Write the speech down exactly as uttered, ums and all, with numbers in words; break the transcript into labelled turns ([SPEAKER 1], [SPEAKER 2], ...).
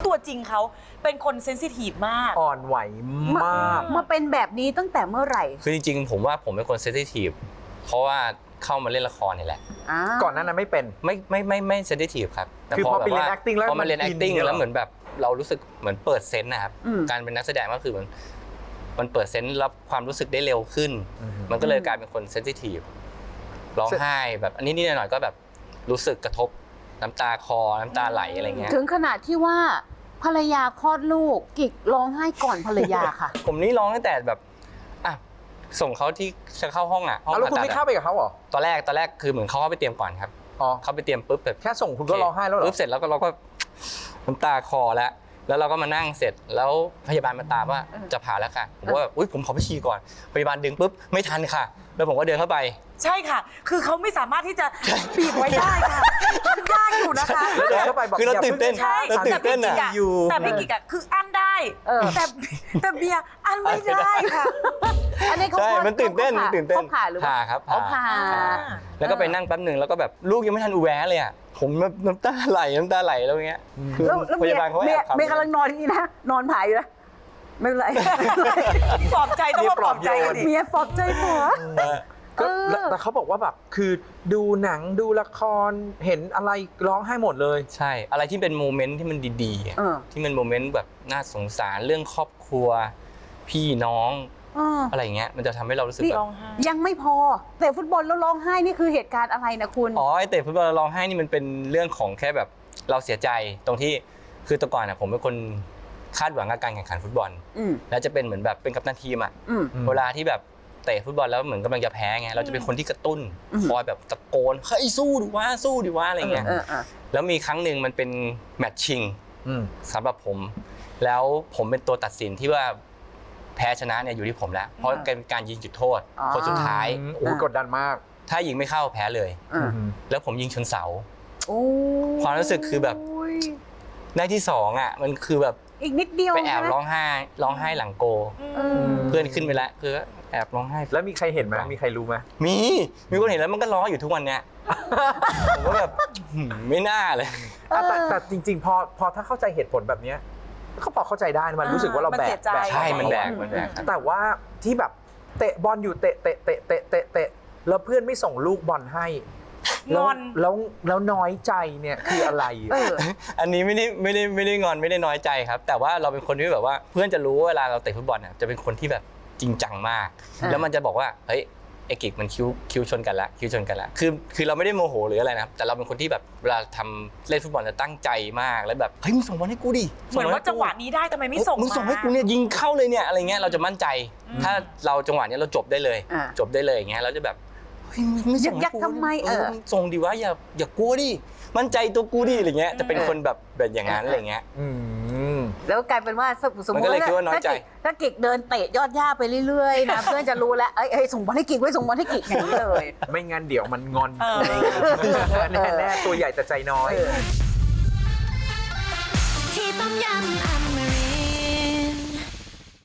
[SPEAKER 1] ตัวจริงเขาเป็นคนเซนซิทีฟมาก
[SPEAKER 2] อ่อนไหวมาก
[SPEAKER 3] มาเป็นแบบนี้ตั้งแต่เมื่อไหร่
[SPEAKER 4] คือจริงๆผมว่าผมเป็นคนเซนซิทีฟเพราะว่าเข้ามาเล่นละครนี่แหละ
[SPEAKER 2] ก่อนหน้านั้นไม่เป็น
[SPEAKER 4] ไม่ไม่ไม่ไม่เซนซิทีฟครับแต่
[SPEAKER 2] พอไปเรียน acting แล้ว
[SPEAKER 4] พอมาเรียน acting แล้วเหมือนแบบเรารู้สึกเหมือนเปิดเซนส์นะครับการเป็นนักแสดงก็คือมันมันเปิดเซนส์รับความรู้สึกได้เร็วขึ้นมันก็เลยกลายเป็นคนเซนซิทีฟร้องไห้แบบอันนี้นิดหน่อยก็แบบรู้สึกกระทบน้ำตาคอน้ำตาไหลอะไรเงี้ย
[SPEAKER 3] ถึงขนาดที่ว่าภรรยาคลอดลูกกิกร้องไห้ก่อนภรรยาค่ะ
[SPEAKER 4] ผมนี่ร้องตั้งแต่แบบอ่ะส่งเขาที่จะเข้าห้องอ่ะห้อง
[SPEAKER 2] แล้วคุณไม่เข้าไปกับเขาเหรอ
[SPEAKER 4] ตอนแรกตอนแรกคือเหมือนเขาเข้าไปเตรียมก่อนครับเขาไปเตรียมปุ๊บแบบ
[SPEAKER 2] แค่ส่งคุณก็ร้องไห้แล้วเหรอ
[SPEAKER 4] ปุ๊บเสร็จแล้วก็เราก็น้ำตาคอแล้วแล้วเราก็มานั่งเสร็จแล้วพยาบาลมาตามว่าจะผ่าแล้วค่ะผมว่าอุ้ยผมขอไปฉี่ก่อนพยาบาลดึงปุ๊บไม่ทันค่ะแล้วผมก็เดินเข้าไป
[SPEAKER 1] ใช่ค่ะคือเขาไม่สามารถที่จะบีบไว้ได้ค่ะมันยากอยู่นะคะ
[SPEAKER 2] เดินเข้าไปบอก
[SPEAKER 4] คือเราตื่นเต้น
[SPEAKER 1] ใช่
[SPEAKER 4] เราตื่นเต้นอ่ะ
[SPEAKER 1] แต่พี่กิ๊กอะคืออั้นได้แต่แต่เบียร์อั้นไม่ได้ค่ะ
[SPEAKER 3] อันนี้เขา
[SPEAKER 4] ใช่มันตื่นเต้นมันตื่นเต้น
[SPEAKER 3] เขาผ่าหรือ
[SPEAKER 4] ผ่าครับ
[SPEAKER 3] ผ่า
[SPEAKER 4] แล้วก็ไปนั่งแป๊บหนึ่งแล้วก็แบบลูกยังไม่ทันอุแวะเลยอ่ะผมน้ำตาไหลน้ำตาไหลแล้วเงี้ย
[SPEAKER 3] พยาบาลเขาแอบเมียกำลังนอนอย่างนี้นะนอนผ่าอยู่นะไม่เป็นไร
[SPEAKER 1] ปลอบใจต้องปลอบใจกันดิ
[SPEAKER 3] เมียปลอบใจผัว
[SPEAKER 2] ก็แต่เขาบอกว่าแบบคือดูหนังดูละครเห็นอะไรร้องไห้หมดเลย
[SPEAKER 4] ใช่อะไรที่เป็นโมเมนต์ที่มันดีๆที่มันโมเมนต์แบบน่าสงสารเรื่องครอบครัวพี่น้องอะไรเงี้ยมันจะทำให้เรารู้สึกแบบ
[SPEAKER 3] ยังไม่พอแต่ฟุตบอลแล้วร้องไห้นี่คือเหตุการณ์อะไรนะคุณ
[SPEAKER 4] อ๋อไอเตะฟุตบอลร้องไห้นี่มันเป็นเรื่องของแค่แบบเราเสียใจตรงที่คือแต่ก่อนอ่ะผมเป็นคนคาดหวังกับการแข่งขันฟุตบอลแล้วจะเป็นเหมือนแบบเป็นกัปตันทีมอ่ะเวลาที่แบบเตะฟุตบอลแล้วเหมือนกำลังจะแพ้ไงเราจะเป็นคนที่กระตุ้นคอยแบบตะโกนเฮ้ยสู้ดิวะสู้ดิวะอะไรเงี้ยแล้วมีครั้งหนึ่งมันเป็นแมตช์ชิงสำหรับผมแล้วผมเป็นตัวตัดสินที่ว่าแพ้ชนะเนี่ยอยู่ที่ผมแล้วเพราะเป็นการยิงจุดโทษคนสุดท้าย
[SPEAKER 2] โอ้กดดันมาก
[SPEAKER 4] ถ้ายิงไม่เข้าแพ้เลยแล้วผมยิงชนเสาความรู้สึกคือแบบได้ที่สองอ่ะมันคือแบบ
[SPEAKER 3] อีกนิดเดียว
[SPEAKER 4] ไปแอบร้องไห้ร้องไห้หลังโกเพื่อนขึ้นไปแล้วคือแอบร้องไห้
[SPEAKER 2] แล้วมีใครเห็นไหมมีใครรู้ไหม
[SPEAKER 4] มีมีคนเห็นแล้วมันก็ร้องอยู่ทุกวันเนี้ยผมก็แบบไม่น่าเลย
[SPEAKER 2] แต่แต่จริงๆพอพอถ้าเข้าใจเหตุผลแบบนี้เขาพอเข้าใจได้มันรู้สึกว่าเราแบก
[SPEAKER 4] ใช่มันแบกมันแบก
[SPEAKER 2] แต่ว่าที่แบบเตะบอลอยู่เตะเตะเตะเตะเตะเตะแล้วเพื่อนไม่ส่งลูกบอลให้
[SPEAKER 1] งอน
[SPEAKER 2] แล้วแล้วน้อยใจเนี่ยคืออะไร
[SPEAKER 4] อันนี้ไม่ได้ไม่ได้ไม่ได้งอนไม่ได้น้อยใจครับแต่ว่าเราเป็นคนที่แบบว่าเพื่อนจะรู้เวลาเราเตะฟุตบอลเนี่ยจะเป็นคนที่แบบจริงจังมากแล้วมันจะบอกว่าเฮ้ยไอ้กิกมันคิ้วคิ้วชนกันละคิ้วชนกันละคือคือเราไม่ได้โมโหหรืออะไรนะแต่เราเป็นคนที่แบบเวลาทำเล่นฟุตบอลจะตั้งใจมากแล้วแบบเฮ้ยมึงส่งบอลให้กูดิ
[SPEAKER 1] เหมือนว่าจังหวะนี้ได้ทำไมไม่ส่ง
[SPEAKER 4] มึงส่งให้กูเนี่ยยิงเข้าเลยเนี่ยอะไรเงี้ยเราจะมั่นใจถ้าเราจังหวะนี้เราจบได้เลยจบได้เลยอย่างเงี้ยเราจะแบบ
[SPEAKER 3] ยักยักทำไมเออ
[SPEAKER 4] ส่งดิวะอย่าอย่ากลัวดิมั่นใจตัวกูดิอะไรเงี้ยจะเป็นคนแบบแบบอย่างนั้นอะไรเงี้ย
[SPEAKER 3] แล้วกลายเป็นว่าสมมติ
[SPEAKER 4] ว่า
[SPEAKER 3] ถ้ากิกเดินเตะยอดหญ้าไปเรื่อยๆนะเพื่อนจะรู้แล้วเอ้ยส่งบอลให้กิกไว้ส่งบอลให้กิกอย่างนี้เลย
[SPEAKER 2] ไม่งั้นเดี๋ยวมันงอนแน่ๆตัวใหญ่แต่ใจน้อยที่ต้มยำอเมริ